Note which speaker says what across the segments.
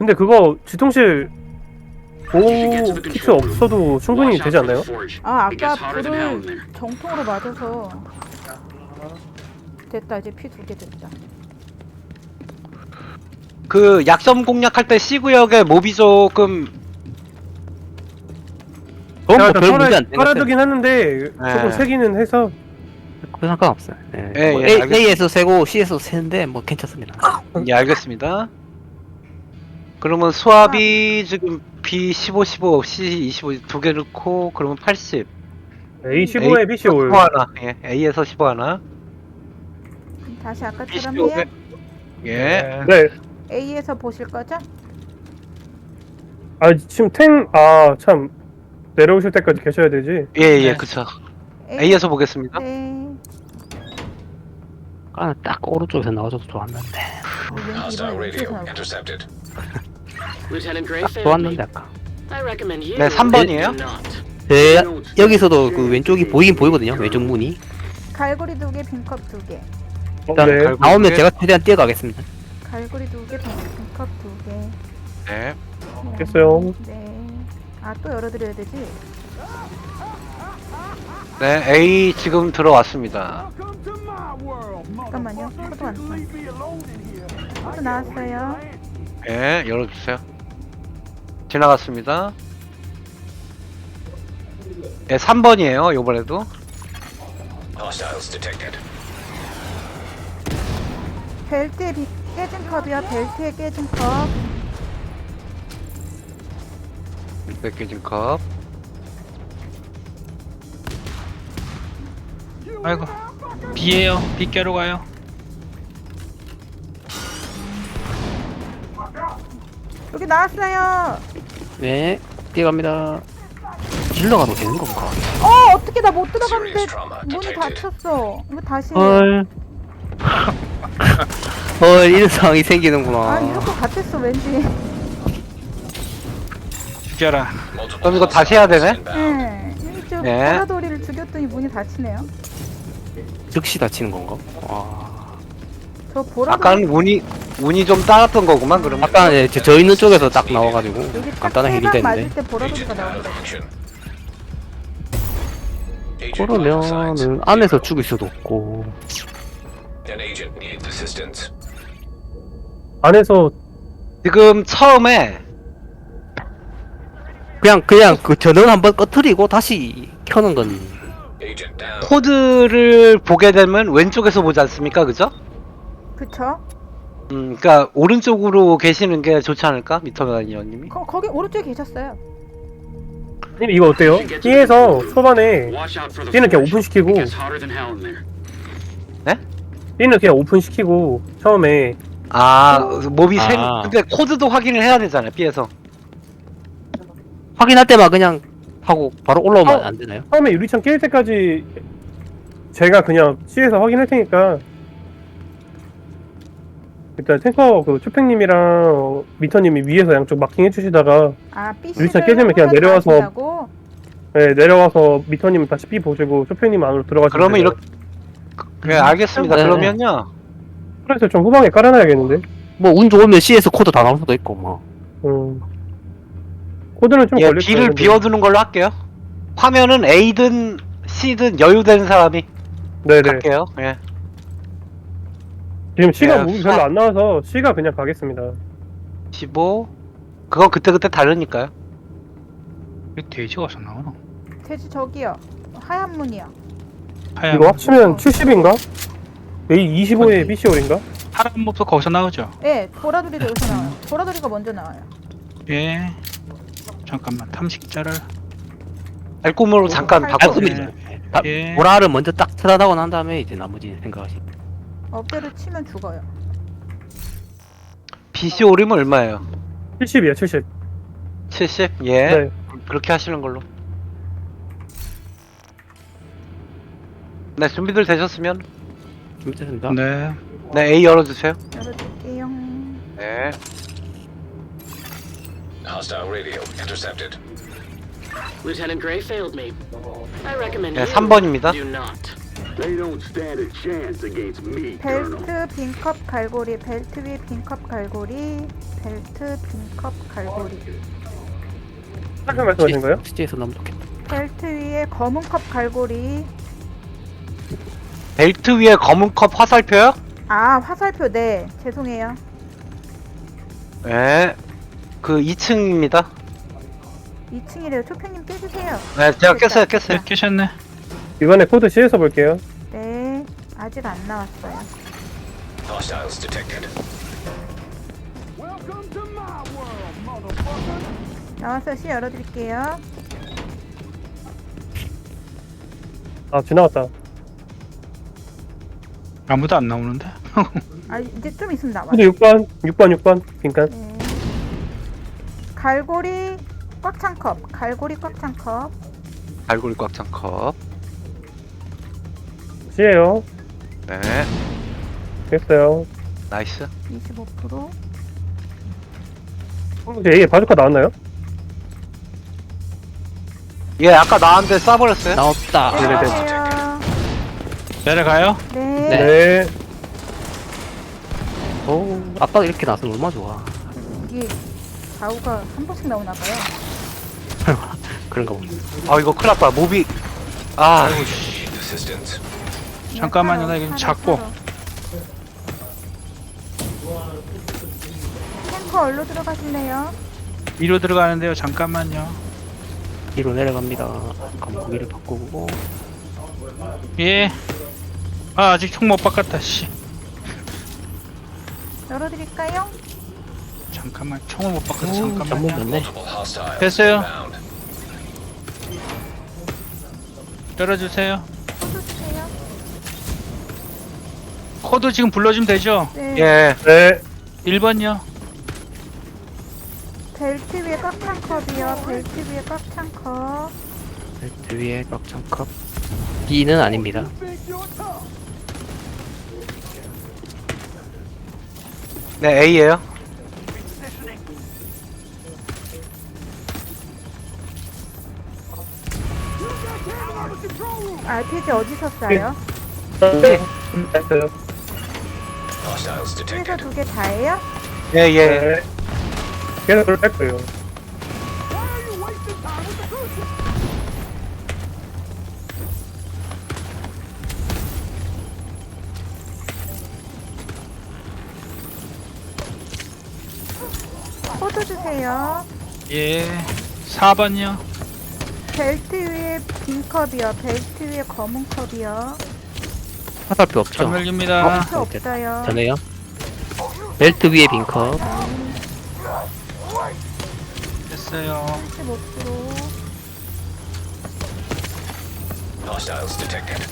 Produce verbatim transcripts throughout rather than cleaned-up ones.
Speaker 1: 근데 그거 지통실 오 키트 없어도 충분히 되지 않나요?
Speaker 2: 아 아까 불을 정통으로 맞아서 됐다. 이제 피 두 개 됐다.
Speaker 3: 그 약점 공략할 때 C구역에 몹이 조금
Speaker 4: 그건
Speaker 1: 제가
Speaker 4: 뭐 별 문제 안 되는 것
Speaker 1: 깔아두긴 하는데 조금
Speaker 3: 네.
Speaker 1: 세기는 해서
Speaker 4: 그 상관없어요. 예.
Speaker 3: 예,
Speaker 4: 뭐
Speaker 3: 예,
Speaker 4: A,
Speaker 3: 알겠습니다.
Speaker 4: A에서 세고 C에서 세는데 뭐 괜찮습니다.
Speaker 3: 예, 알겠습니다. 그러면 수압이 지금 B 십오, 십오, C 이십오 두 개 넣고 그러면 팔십.
Speaker 1: 에이 십오에 비 십오.
Speaker 3: 십오 하나. 예, A에서 십오 하나.
Speaker 2: 그럼 다시 아까처럼
Speaker 3: B 십오에
Speaker 2: 해요?
Speaker 3: 예.
Speaker 1: 네.
Speaker 2: A에서 보실 거죠?
Speaker 1: 아 지금 탱 아 참 내려오실 때까지 계셔야 되지.
Speaker 3: 예, 예, 그쵸.
Speaker 2: A,
Speaker 3: A에서 보겠습니다.
Speaker 2: 네.
Speaker 4: 아, 딱 오른쪽에서 나와줘도 좋았는데.
Speaker 2: 왠지 이번에 왼쪽에서 나올
Speaker 5: intercepted.
Speaker 4: 딱 좋았는데 아까.
Speaker 3: 네, 삼 번이에요.
Speaker 4: 제 여기서도 그 왼쪽이 보이긴 보이거든요. 왼쪽 문이.
Speaker 2: 갈고리 두 개, 빈컵 두 개.
Speaker 4: 일단
Speaker 1: 네.
Speaker 3: 갈고리
Speaker 4: 나오면
Speaker 3: 두 개.
Speaker 4: 제가 최대한 뛰어가겠습니다.
Speaker 2: 갈고리 두 개, 빈컵 두 개.
Speaker 3: 네.
Speaker 1: 알겠어요.
Speaker 2: 네. 아 또 열어드려야 되지?
Speaker 3: 네, A 지금 들어왔습니다.
Speaker 2: 잠깐만요. 코드 왔어. 코드 나왔어요.
Speaker 3: 예, 열어주세요. 지나갔습니다. 예, 삼 번이에요, 요번에도.
Speaker 5: Hostiles detected.
Speaker 2: 벨트에 비, 깨진 컵이야. 벨트에 깨진 컵.
Speaker 3: 몇 개진 컵.
Speaker 6: 아이고 비에요. 비 깨러 가요.
Speaker 2: 여기 나왔어요.
Speaker 4: 네, 뛰어갑니다. 질러가도 되는 건가?
Speaker 2: 어 어떻게 나 못 들어갔는데
Speaker 5: Serious trauma
Speaker 2: 문이
Speaker 5: detected.
Speaker 2: 닫혔어. 이거 다시.
Speaker 4: 헐. 헐, 이런 상황이 생기는구나.
Speaker 2: 아 이럴 것 같았어 왠지.
Speaker 6: 죽여라.
Speaker 5: Multiple
Speaker 3: 그럼 이거 다시 해야 되네?
Speaker 5: hostiles inbound.
Speaker 2: 네. 이쪽
Speaker 3: 네.
Speaker 2: 보라돌이를 죽였더니 문이 닫히네요.
Speaker 4: 즉시 다치는 건가? 와.
Speaker 2: 저 보라돌이
Speaker 3: 아까는 운이, 운이 좀 따랐던 거구만, 그러면.
Speaker 4: 아까 예, 저, 저 있는 쪽에서 딱 나와가지고
Speaker 2: 여기 딱
Speaker 4: 간단한 힐이
Speaker 2: 세방 맞을
Speaker 4: 됐는데.
Speaker 2: 때 보라돌이가
Speaker 5: Agent out of
Speaker 2: 나오더라고.
Speaker 5: action. Agent vital signs.
Speaker 4: 그러면은 안에서 죽일 수도 없고.
Speaker 5: An agent needs assistance.
Speaker 1: 안에서
Speaker 3: 지금 처음에
Speaker 4: 그냥 그냥 그 전원 한번 꺼트리고 다시 켜는 건
Speaker 5: Agent down.
Speaker 3: 코드를 보게 되면 왼쪽에서 보지 않습니까? 그죠?
Speaker 2: 그쵸?
Speaker 3: 음, 그니까, 오른쪽으로 계시는 게 좋지 않을까? 미터가니언님이?
Speaker 2: 거, 거기 오른쪽에 계셨어요.
Speaker 1: 님 이거 어때요? B에서 초반에 B는 그냥 오픈시키고
Speaker 3: 네?
Speaker 1: B는 그냥 오픈시키고 처음에
Speaker 3: 아, 몹이 생,
Speaker 4: 아.
Speaker 3: 근데 코드도 확인을 해야 되잖아요, B에서.
Speaker 4: 확인할 때만 그냥 하고 바로 올라오면
Speaker 1: 어.
Speaker 4: 안 되나요?
Speaker 1: 처음에 유리창 깰 때까지 제가 그냥 C에서 확인할 테니까 일단 탱커 그 초팽님이랑 미터님이 위에서 양쪽 마킹 해주시다가
Speaker 2: 아 B
Speaker 1: 유리창 깨지면 그냥 내려와서 네, 내려와서 미터님은 다시 B 보시고 초팽님 안으로 들어가시면
Speaker 3: 그러면
Speaker 1: 돼요.
Speaker 3: 이렇게, 네, 알겠습니다.
Speaker 4: 네.
Speaker 3: 그러면요.
Speaker 1: 그래서 좀 후방에 깔아놔야겠는데.
Speaker 4: 뭐 운 좋으면 C에서 코드 다 나올 수도 있고 뭐.
Speaker 1: 음. 코드는 좀
Speaker 3: 예,
Speaker 1: 걸릴
Speaker 3: B를
Speaker 1: 거예요, 근데.
Speaker 3: 비워두는 걸로 할게요. 화면은 A든 C든 여유되는 사람이
Speaker 1: 네네.
Speaker 3: 갈게요. 예.
Speaker 1: 지금 C가
Speaker 3: 예,
Speaker 1: 무기
Speaker 3: 수학-
Speaker 1: 별로 안 나와서 C가 그냥 가겠습니다.
Speaker 3: 십오. 그건 그때그때 다르니까요.
Speaker 6: 왜 돼지가 어디서 나오노?
Speaker 2: 돼지 저기요. 하얀 문이요.
Speaker 6: 하얀
Speaker 1: 이거 합치면 칠십인가? A 이십오에
Speaker 6: 어디?
Speaker 1: B C 올인가?
Speaker 6: 파란 몹도 거기서 나오죠?
Speaker 2: 예, 보라돌이도 여기서 나와요. 보라돌이가 먼저 나와요.
Speaker 6: 예. 잠깐만 탐식자를.
Speaker 3: 알몸으로 잠깐
Speaker 2: 할
Speaker 3: 바꿔.
Speaker 2: 거예요.
Speaker 4: 알고리즘.
Speaker 6: 예.
Speaker 4: 아,
Speaker 6: 예.
Speaker 4: 보라를 먼저 딱 찾아다고 난 다음에 이제 나머지 생각하시.
Speaker 2: 어깨를 치면 죽어요.
Speaker 3: B C 올이면 얼마예요?
Speaker 1: 칠십이야 칠십.
Speaker 3: 칠십? 예.
Speaker 1: 네.
Speaker 3: 그렇게 하시는 걸로. 네, 준비들 되셨으면
Speaker 4: 준비됐습니다.
Speaker 6: 네.
Speaker 3: 네, A 열어주세요.
Speaker 2: 열어줄게요.
Speaker 3: 네.
Speaker 5: Hostile radio intercepted.
Speaker 7: Lieutenant Gray failed me. I recommend
Speaker 3: 네,
Speaker 7: you
Speaker 3: 삼 번입니다.
Speaker 7: do not. They don't stand a chance against me, Colonel.
Speaker 2: 벨트 빈컵 갈고리, 벨트 위에 빈컵 갈고리, 벨트 빈컵 갈고리.
Speaker 1: 화살표 말씀하신 거예요?
Speaker 4: 스지에서 너무 좋겠다.
Speaker 2: 벨트 위에 검은 컵 갈고리.
Speaker 3: 벨트 위에 검은 컵 화살표요?
Speaker 2: 아, 화살표. 네, 죄송해요.
Speaker 3: 네. 그 이 층입니다.
Speaker 2: 이 층이래요. 초평님 깨주세요.
Speaker 3: 네, 제가 깼어요, 깼어요.
Speaker 6: 네, 깨셨네.
Speaker 1: 이번에 코드 C에서 볼게요.
Speaker 2: 네, 아직 안 나왔어요.
Speaker 5: Hostiles detected.
Speaker 2: 나와서 C 열어드릴게요.
Speaker 1: 아, 지나갔다.
Speaker 6: 아무도 안 나오는데?
Speaker 2: 아, 이제 좀 있으면 나와요.
Speaker 1: 코드 육 번, 육 번, 육 번. 빈칸.
Speaker 2: 네. 갈고리 꽉 찬 컵. 갈고리 꽉 찬 컵.
Speaker 3: 갈고리 꽉 찬 컵.
Speaker 1: C에요.
Speaker 3: 네.
Speaker 1: 됐어요.
Speaker 3: 나이스.
Speaker 2: 이십오 퍼센트.
Speaker 1: 이제 A에 바주카 나왔나요?
Speaker 3: 예, 아까 나왔는데 쏴버렸어요.
Speaker 4: 나왔다.
Speaker 1: 네네네.
Speaker 2: 안녕하세요.
Speaker 6: 내려가요?
Speaker 2: 네.
Speaker 1: 네.
Speaker 4: 오, 아빠가 이렇게 나서면 얼마나 좋아.
Speaker 2: 이게 좌우가 한 번씩 나오나 봐요.
Speaker 4: 그런가 보네.
Speaker 3: 아, 이거 큰일 났다. 모비. 아,
Speaker 5: Need assistance.
Speaker 6: 잠깐만요, 나 이거
Speaker 2: 하나,
Speaker 6: 잡고.
Speaker 2: 하나. 탱커 얼로 들어가실래요?
Speaker 6: 위로 들어가는데요. 잠깐만요.
Speaker 4: 뒤로 내려갑니다. 감기를 바꾸고.
Speaker 6: 예. 아, 아직 총 못 바꿨다, 씨.
Speaker 2: 열어드릴까요?
Speaker 6: 잠깐만, 총을 못 바꿔서
Speaker 4: 오,
Speaker 6: 잠깐만요.
Speaker 4: 잠못 됐네.
Speaker 5: Multiple hostiles
Speaker 6: 됐어요.
Speaker 5: inbound.
Speaker 6: 열어주세요.
Speaker 2: 코드 주세요.
Speaker 6: 코드 지금 불러주면 되죠?
Speaker 2: 네.
Speaker 3: 예.
Speaker 1: 네.
Speaker 6: 일 번요.
Speaker 2: 벨트 위에 꽉 찬 컵이요. 벨트 위에 꽉 찬 컵.
Speaker 4: 벨트 위에 꽉찬 컵. B는 아닙니다.
Speaker 3: 네, A예요.
Speaker 2: 알피지 어디서 쏴요?
Speaker 1: 네. 됐어요.
Speaker 5: Hostiles
Speaker 2: 그래서
Speaker 5: detected.
Speaker 2: 두 개 다예요?
Speaker 3: 예, 예.
Speaker 1: 네. 계속 그걸 뺄 거예요.
Speaker 2: 코드 주세요.
Speaker 6: 예. 사 번요.
Speaker 2: 벨트 위에 빈 컵이요. 벨트 위에 검은 컵이요.
Speaker 4: 화살표 없죠?
Speaker 6: 전멸입니다.
Speaker 2: 벨트 없어요.
Speaker 4: 전에요. 벨트 위에 빈 컵.
Speaker 6: 됐어요.
Speaker 2: 십오 퍼센트.
Speaker 5: Hostiles detected.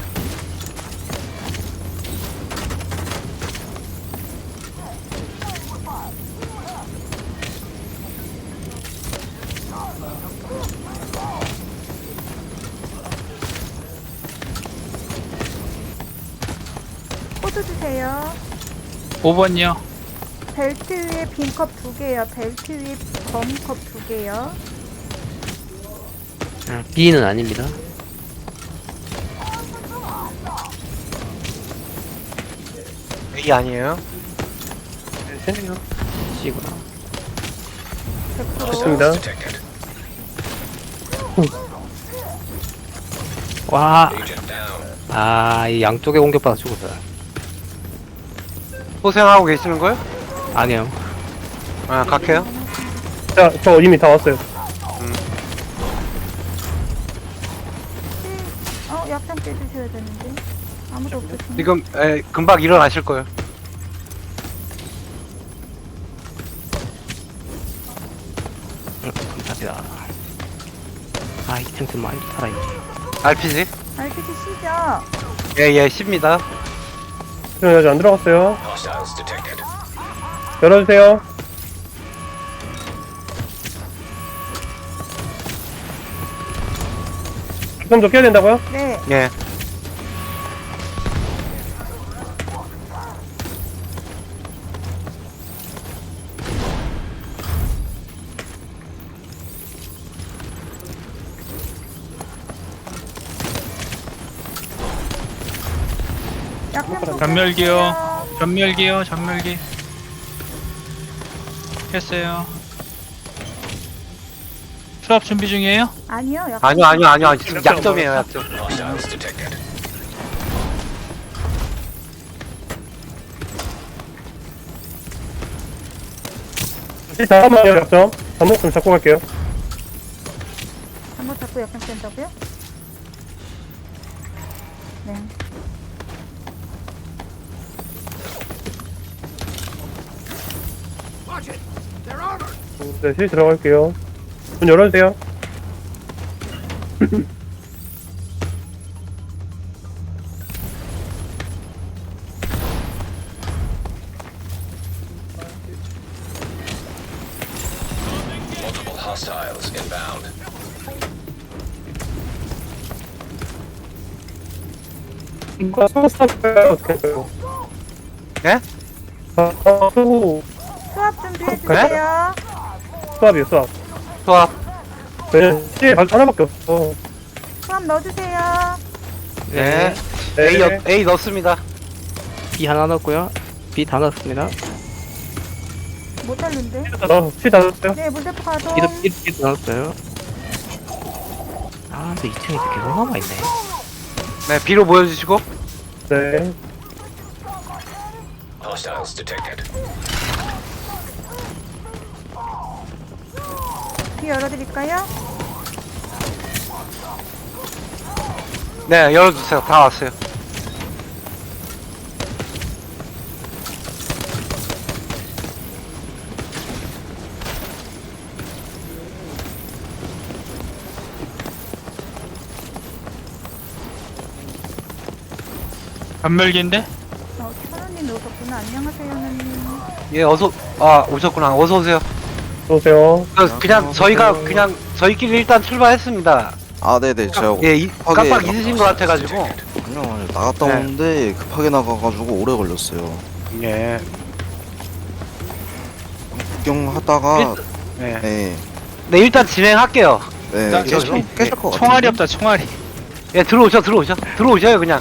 Speaker 2: 코드 주세요.
Speaker 6: 오 번요.
Speaker 2: 벨트 위에 빈 컵 두 개요. 벨트 위에 검은 컵 두 개요.
Speaker 4: 아, B는 아닙니다.
Speaker 3: A 아니에요.
Speaker 4: C구나.
Speaker 2: 백 퍼센트.
Speaker 1: 됐습니다.
Speaker 5: Detected.
Speaker 4: 와,
Speaker 5: Agent down.
Speaker 4: 아, 이 양쪽에 공격받아 죽었어요.
Speaker 3: 고생하고 계시는 거예요?
Speaker 4: 아니요.
Speaker 3: 아, 갈게요.
Speaker 1: 자, 저 이미 다 왔어요.
Speaker 2: 어, 약간 깨주셔야 되는데. 아무도 없으시네.
Speaker 3: 지금 에, 금방 일어나실 거예요.
Speaker 4: 음, 감사합니다. 아, 이 층 좀 많이 살아있네.
Speaker 3: 알피지?
Speaker 2: 알피지 C죠?
Speaker 3: 예, 예, 십니다.
Speaker 1: 지금 아직 안 들어갔어요.
Speaker 5: Hostiles detected.
Speaker 1: 열어주세요. 그럼 저 깨야 된다고요?
Speaker 2: 네.
Speaker 3: 예.
Speaker 2: 그냥
Speaker 6: 전멸기요.
Speaker 2: 포기해주세요.
Speaker 6: 전멸기요. 전멸기. 했어요. 수압 준비 중이에요?
Speaker 2: 아니요. 약간
Speaker 3: 아니요 아니요 아니요 지금 약점이에요 약점.
Speaker 5: Hostiles detected.
Speaker 1: 시 잠깐만요, 약점. 잠복 좀 잡고 갈게요.
Speaker 2: 한번 잡고 약간 뺀다고요? 네.
Speaker 1: 네, 시 들어갈게요. 문 열어주세요.
Speaker 5: Multiple hostiles inbound.
Speaker 1: 이거 수고 수업할까요? 어떻게 할까요?
Speaker 3: 예?
Speaker 1: 아, 아, 수고
Speaker 2: 수압 준비해주세요.
Speaker 1: 수업이요, 수업.
Speaker 3: 수압.
Speaker 1: 네, 시에 하나밖에 없어.
Speaker 2: 수압 넣어주세요.
Speaker 3: 네.
Speaker 1: 네.
Speaker 3: A, 여, A 넣습니다.
Speaker 4: B 하나 넣었고요. B 다 넣었습니다.
Speaker 2: 못 달는데?
Speaker 1: 어, 시 닫았어요.
Speaker 2: 네, 물대포 가동.
Speaker 4: B도 B, B도 넣었어요. 아, 근데 이 층에 계속 남아있네.
Speaker 3: 네 B로 보여주시고.
Speaker 1: 네.
Speaker 5: Hostiles detected.
Speaker 2: 귀 열어드릴까요?
Speaker 3: 네 열어주세요. 다 왔어요.
Speaker 6: 전멸기인데?
Speaker 2: 어, 천원님 오셨구나. 안녕하세요, 누님.
Speaker 3: 예 어서 아 오셨구나. 어서 오세요.
Speaker 1: 오세요.
Speaker 3: 그, 그냥 저희가 그냥 저희끼리 일단 출발했습니다.
Speaker 8: 아, 네네. 제가
Speaker 3: 예 이,
Speaker 8: 급하게
Speaker 3: 깜빡 잊으신 것 같아가지고.
Speaker 8: 그냥 나갔다
Speaker 3: 네.
Speaker 8: 오는데 급하게 나가가지고 오래 걸렸어요.
Speaker 3: 예.
Speaker 8: 구경하다가
Speaker 3: 예.
Speaker 8: 네,
Speaker 3: 네 일단 진행할게요.
Speaker 8: 네
Speaker 6: 나
Speaker 8: 깨질,
Speaker 6: 저기
Speaker 8: 깨질 것 같아요.
Speaker 6: 총알이 없다. 총알이.
Speaker 3: 예 들어오셔 들어오셔 들어오셔요 그냥.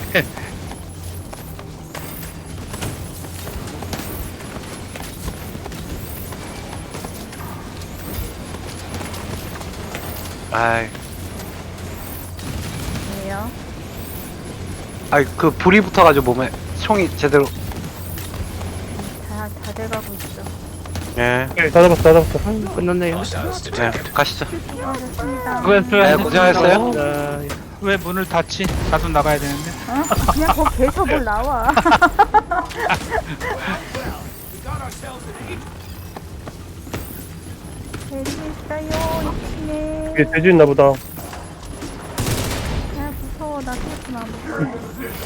Speaker 3: 아이,
Speaker 2: 왜요?
Speaker 3: 아이 그 불이 붙어가지고 몸에 총이 제대로.
Speaker 2: 다, 다 돼가고 있어.
Speaker 3: 예.
Speaker 1: 네, 다 잡았어, 다 잡았어.
Speaker 4: 아유, 끝났네요.
Speaker 5: Hostiles
Speaker 3: 네
Speaker 5: detected.
Speaker 3: 가시죠.
Speaker 2: 수고하셨습니다.
Speaker 3: 네, 고생하셨어요.
Speaker 4: 자,
Speaker 6: 왜 문을 닫지? 나도 나가야 되는데.
Speaker 2: 어? 그냥 거기 계속 뭘 나와. 재밌어요, 이치네.
Speaker 1: 이게 돼지 있나 보다.
Speaker 2: 야, 무서워. 나 생각도 안 무서워.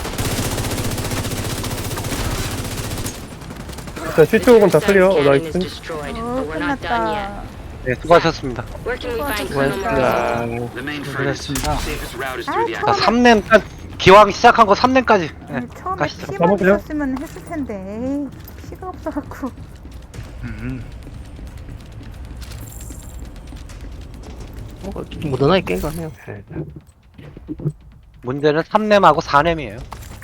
Speaker 1: 자, 시 쪽은 다 클리어. 어, 나이스.
Speaker 2: 어, 끝났다.
Speaker 3: 네 수고하셨습니다.
Speaker 4: 수고하셨습니다.
Speaker 6: 그랬습니다.
Speaker 2: 아,
Speaker 3: 자
Speaker 2: 처음에,
Speaker 3: 삼 렘 기왕 시작한 거 삼 렘까지. 네,
Speaker 2: 아니, 처음에
Speaker 3: 가시죠.
Speaker 2: 피만
Speaker 1: 가보세요.
Speaker 2: 있었으면 했을 텐데. 에이, 피가 없어갖고.
Speaker 6: 음.
Speaker 4: 뭐, 무던하게 깬 거네요. 네.
Speaker 3: 문제는 삼 렘하고 사 렘이에요.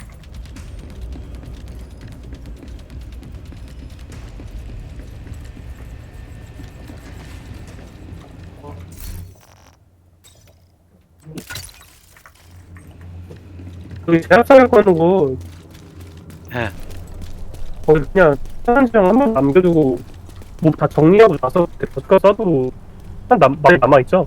Speaker 1: 여기 제약사를 거는 거,
Speaker 3: 예.
Speaker 1: 거기 그냥 사람들이랑 한 번 남겨두고, 뭐 다 정리하고 나서 버스가 써도, 한 남, 많이 남아있죠?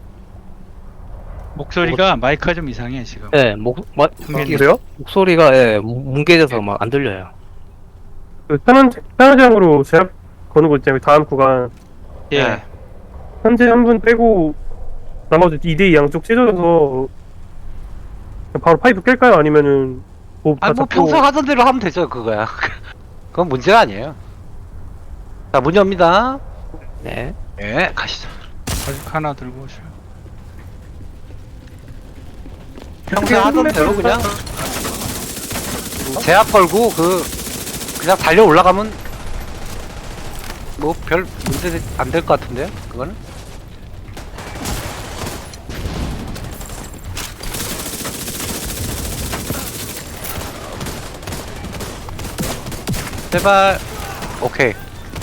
Speaker 6: 목소리가 마이크가 좀 이상해 지금.
Speaker 4: 네, 목, 마,
Speaker 6: 아,
Speaker 1: 그래요?
Speaker 4: 목소리가, 예, 뭉개져서 막 안 들려요.
Speaker 1: 그 편한, 편의장으로 제약 거는 거 있잖아요. 다음 구간.
Speaker 6: 예.
Speaker 3: 네.
Speaker 1: 현재 한 분 빼고, 나머지 이 대 이 양쪽 찢어져서, 그냥 바로 파이프 깰까요? 아니면은, 뭐, 다
Speaker 3: 아니 뭐
Speaker 1: 잡고-
Speaker 3: 평소 하던 대로 하면 되죠 그거야. 그건 문제가 아니에요. 자 문 엽니다.
Speaker 4: 네.
Speaker 3: 예 가시죠.
Speaker 6: 아직 하나 들고 오셔.
Speaker 3: 평소 하던 대로 그냥 제압 걸고 그 그냥 달려 올라가면 뭐 별 문제 안 될 것 같은데요 그거는. 제발. 오케이.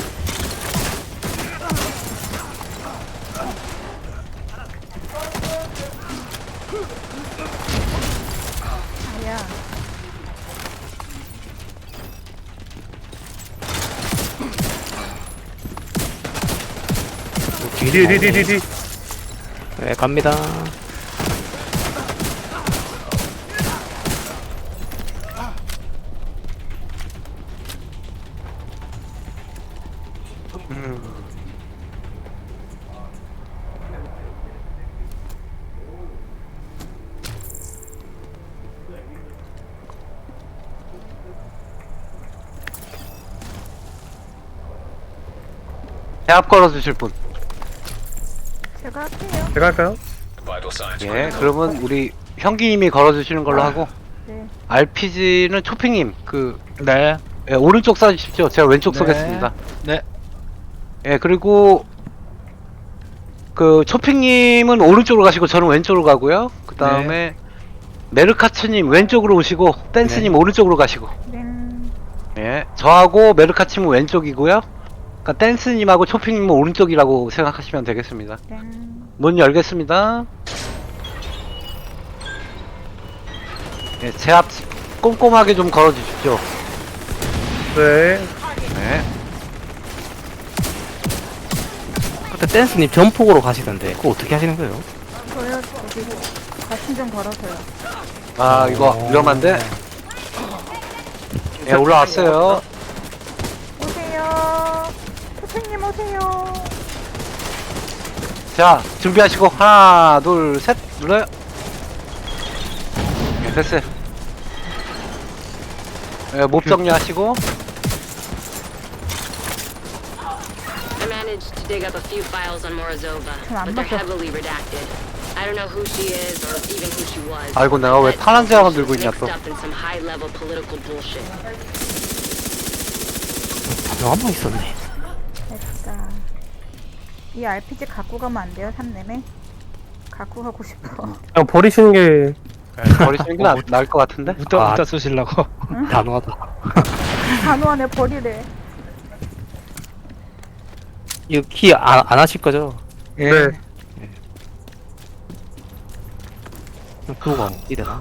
Speaker 2: 아야.
Speaker 1: 뒤, 뒤, 뒤, 뒤, 뒤.
Speaker 4: 네, 갑니다.
Speaker 3: 제압 걸어주실 분.
Speaker 2: 제가 할게요.
Speaker 1: 제가 할까요?
Speaker 5: Vital signs.
Speaker 3: 예,
Speaker 5: critical.
Speaker 3: 그러면 우리 형기님이 걸어주시는 걸로 하고
Speaker 2: 네.
Speaker 3: 알피지는 초핑님 그
Speaker 6: 네.
Speaker 3: 예, 오른쪽 쏴주십시오. 제가 왼쪽
Speaker 6: 네.
Speaker 3: 쏘겠습니다.
Speaker 6: 네.
Speaker 3: 예, 그리고 그 초핑님은 오른쪽으로 가시고 저는 왼쪽으로 가고요. 그 다음에 메르카츠님 왼쪽으로 오시고 댄스님 오른쪽으로 가시고.
Speaker 2: 네.
Speaker 3: 예, 저하고 메르카츠님은 왼쪽이고요. 그러니까 댄스님하고 초핑님은 오른쪽이라고 생각하시면 되겠습니다.
Speaker 2: 네.
Speaker 3: 문 열겠습니다. 예, 제압 꼼꼼하게 좀 걸어주십시오.
Speaker 1: 네.
Speaker 3: 네.
Speaker 4: 그때 댄스님 전폭으로 가시던데 그거 어떻게 하시는 거예요?
Speaker 2: 저요 저기 가슴 좀 걸어서요.
Speaker 3: 아, 이거 위험한데? 예, 올라왔어요.
Speaker 2: 오세요. 선생님 오세요.
Speaker 3: 자, 준비하시고 하나, 둘, 셋 눌러요. 예, 됐어요. 예, 몹 정리하시고.
Speaker 9: I managed to dig up a few files on Morozova, but they're heavily redacted. I don't know who she is or even who she was.
Speaker 3: 아이고, 내가 왜 파란 제왕을 들고 있냐 또.
Speaker 9: Mixed up in some high-level political bullshit.
Speaker 4: 한번 있었네.
Speaker 2: 됐다. 이 알피지 갖고 가면 안 돼요, 삼렘에? 갖고 가고 싶어.
Speaker 1: 그냥 버리시는 게
Speaker 3: 예, 버리시는 게 나, 나을 것 같은데?
Speaker 6: 웃다
Speaker 4: 아.
Speaker 6: 웃다 쏘시려고.
Speaker 4: 단호하다.
Speaker 2: 단호하네 버리래.
Speaker 4: 이거 키 안 안 하실 거죠?
Speaker 3: 예.
Speaker 1: 네.
Speaker 4: 그거가 어디 되나?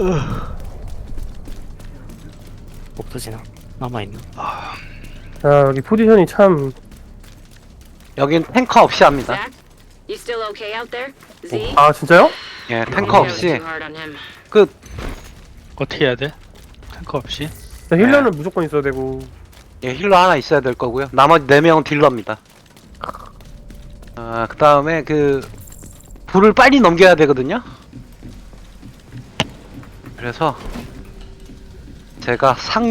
Speaker 4: 없어지나? 남아있나?
Speaker 1: 자, 여기 포지션이 참
Speaker 3: 여긴 탱커 없이 합니다.
Speaker 9: Zach, you still okay out there? Z?
Speaker 1: 아, 진짜요?
Speaker 3: 예, 탱커
Speaker 9: I was
Speaker 3: 없이
Speaker 9: too hard on him.
Speaker 3: 그
Speaker 6: 어떻게 해야 돼? 탱커 없이?
Speaker 1: 자, 힐러는 무조건 있어야 되고.
Speaker 3: 예, 힐러 하나 있어야 될 거고요. 나머지 네 명은 딜러입니다. 아, 그 다음에 그 불을 빨리 넘겨야 되거든요. 그래서 제가 상